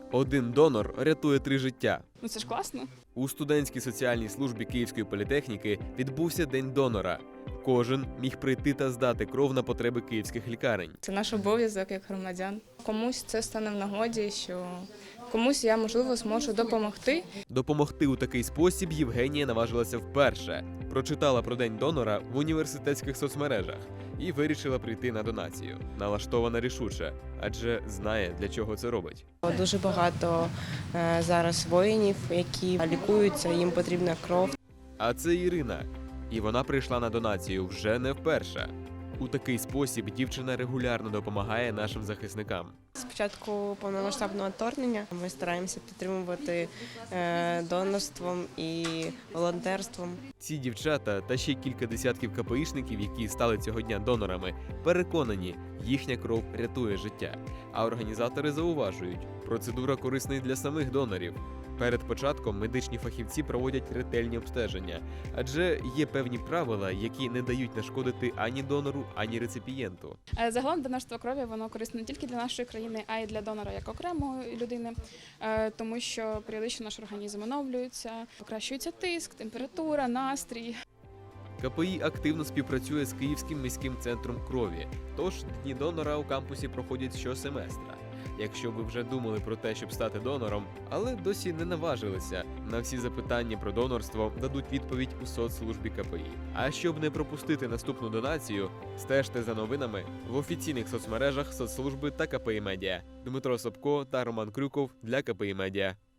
Один донор рятує 3 життя. Ну це ж класно. У студентській соціальній службі Київської політехніки відбувся День донора. Кожен міг прийти та здати кров на потреби київських лікарень. Це наш обов'язок як громадян. Комусь це стане в нагоді, що комусь я, можливо, зможу допомогти. Допомогти у такий спосіб Євгенія наважилася вперше. Прочитала про День донора в університетських соцмережах і вирішила прийти на донацію. Налаштована рішуче, адже знає, для чого це робить. Дуже багато зараз воїнів, які лікуються, їм потрібна кров. А це Ірина. І вона прийшла на донацію вже не вперше. У такий спосіб дівчина регулярно допомагає нашим захисникам. З початку повномасштабного вторгнення ми стараємося підтримувати донорством і волонтерством. Ці дівчата та ще кілька десятків КПІшників, які стали цього дня донорами, переконані, їхня кров рятує життя. А організатори зауважують, процедура корисна й для самих донорів. Перед початком медичні фахівці проводять ретельні обстеження, адже є певні правила, які не дають нашкодити ані донору, ані реципієнту. Загалом донорство крові воно корисне не тільки для нашої країни, а й для донора як окремої людини, тому що періодично наш організм оновлюється, покращується тиск, температура, настрій. КПІ активно співпрацює з Київським міським центром крові, тож дні донора у кампусі проходять щосеместра. Якщо ви вже думали про те, щоб стати донором, але досі не наважилися, на всі запитання про донорство дадуть відповідь у соцслужбі КПІ. А щоб не пропустити наступну донацію, стежте за новинами в офіційних соцмережах соцслужби та КПІ Медіа. Дмитро Собко та Роман Крюков для КПІ Медіа.